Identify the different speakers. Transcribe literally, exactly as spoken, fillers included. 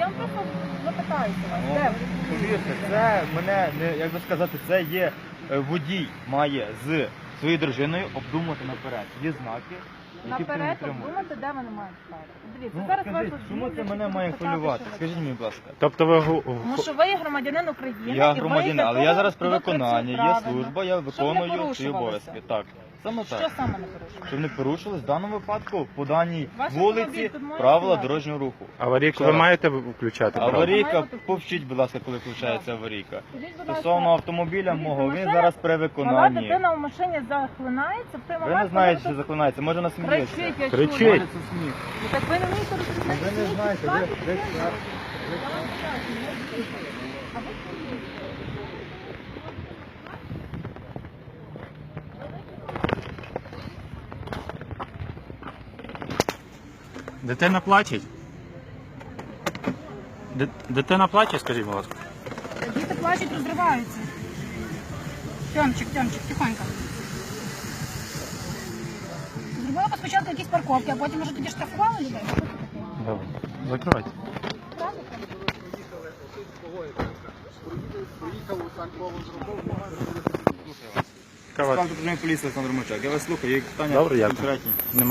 Speaker 1: Я вам просто запитаюся вас.
Speaker 2: Ну,
Speaker 1: Де ви?
Speaker 2: повірте, це мене, не, як би сказати, це є е, водій має з своєю дружиною обдумати наперед. Є знаки, які
Speaker 1: Наперед
Speaker 2: підтримують.
Speaker 1: обдумати, де вони мають стати. Дивіться,
Speaker 2: Ну,
Speaker 1: зараз
Speaker 2: скажіть,
Speaker 1: вас
Speaker 2: чому це
Speaker 1: звільнять,
Speaker 2: мене
Speaker 1: і
Speaker 2: має
Speaker 1: будуть питати,
Speaker 2: хвилювати?
Speaker 1: що ви-
Speaker 2: Скажіть мені, будь ласка.
Speaker 3: Тобто ви гу-
Speaker 1: Тому що ви є громадянин України.
Speaker 2: Я
Speaker 1: і ви
Speaker 2: громадянин,
Speaker 1: для
Speaker 2: але
Speaker 1: того
Speaker 2: я зараз при
Speaker 1: туди
Speaker 2: виконанні,
Speaker 1: працюєте
Speaker 2: є
Speaker 1: правильно.
Speaker 2: служба, я
Speaker 1: Щоб не
Speaker 2: виконую свої
Speaker 1: порушувалося.
Speaker 2: обов'язки. Так, саме
Speaker 1: Що
Speaker 2: так.
Speaker 1: саме не порушує?
Speaker 2: Щоб не порушилось в даному випадку по даній
Speaker 1: Ваш автомобіль
Speaker 2: вулиці
Speaker 1: тут має
Speaker 2: правила
Speaker 1: стояти?
Speaker 2: дорожнього руху.
Speaker 3: аварійку
Speaker 2: Ще
Speaker 3: ви
Speaker 2: раз.
Speaker 3: маєте включати? правда?
Speaker 2: Аварійка,
Speaker 1: Має бути-
Speaker 2: повчіть, будь ласка, коли включається аварійка.
Speaker 1: Скажіть, будь ласка,
Speaker 2: Стосовно автомобіля
Speaker 1: дивіться,
Speaker 2: мого, він
Speaker 1: машина-
Speaker 2: зараз при
Speaker 1: Мала
Speaker 2: виконанні.
Speaker 1: дитина в машині захлинається в той
Speaker 2: Ви
Speaker 1: момент,
Speaker 2: не знаєте,
Speaker 1: коли
Speaker 2: що
Speaker 1: ви
Speaker 2: заклинається, може нас
Speaker 1: тут
Speaker 2: сміється.
Speaker 1: кричить, я
Speaker 3: Кричить.
Speaker 1: чую.
Speaker 2: Може це сміх.
Speaker 1: Ну, так ви не вмієте розрізняти
Speaker 2: Ви не
Speaker 1: сміх,
Speaker 2: знаєте,
Speaker 1: так,
Speaker 2: ви-
Speaker 1: і
Speaker 2: ви-
Speaker 1: сміх. Я вам пояснюю, я чую. А ви чуєте?
Speaker 3: Дитина плачеть? Ди- Дитина плаче, скажіть, будь ласка.
Speaker 1: Діти плачуть, розриваються. Тьомчик, Тьомчик, тихонько. Зробила б спочатку якісь парковки, а потім, може, тоді штрафували людей?
Speaker 3: Добре. Закривайте. Кава.
Speaker 2: Скажу, поліція Олександр Мочак. Я вас слухаю, є питання
Speaker 3: Добре, дякую.
Speaker 2: конкретні.
Speaker 3: Нема.